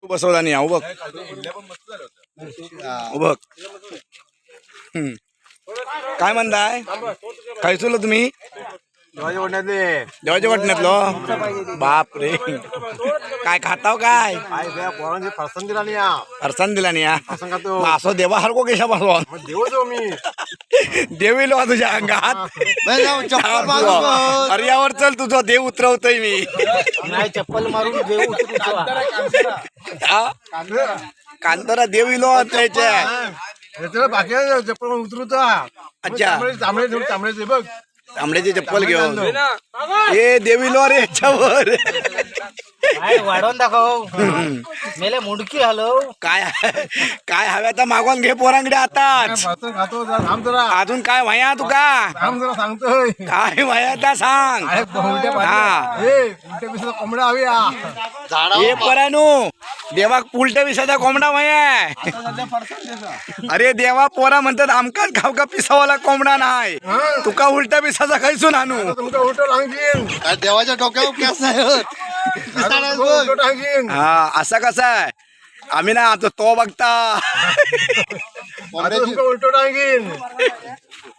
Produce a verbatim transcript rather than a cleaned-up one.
तू बसवला नाही हा बघ बघ हम्म. काय म्हणताय खायचो तुम्ही देवाच्या वाटण्यातलो बाप रे काय खाताव काय फरसन दिला नाही फरसान दिला नाही हा? फरसन खातो मग असं देवा हरको केशा पासून देव जो मी देवी लो तुझ्या अंगात अरे यावर चल तुझा देव उतरवतोय मी नाही चप्पल मारून देव उतरतो हा? कांतारा देव इलो त्याच्या बाकी चप्पल उतरतो अच्छा. तांबडे तांबडे बघ तांबड्याची चप्पल घेऊन ए देवी लो रे याच्यावर वाढवून दाखव मेले मुडकी हलव काय काय हव्या तर मागवून घे पोरांकडे आताच खातो थांब जरा अजून काय व्हाया तुका थांब जरा सांगतोय काय व्हाया त्या सांग हा कोंबड्या हवी हे परानू देवाक उलट्या विसाचा कोंबडा व्हाया अरे देवा पोरा म्हणतात आमकाच खावका पिसावाला कोंबडा नाही तुका उलट्या पिसाचा खायचून आणू तुमचा उलटो टांगीन देवाच्या डोक्यावर केस नाही उलटो टांगीन हा असा कसा आहे आम्ही ना आता तो बघता उलटो टांगीन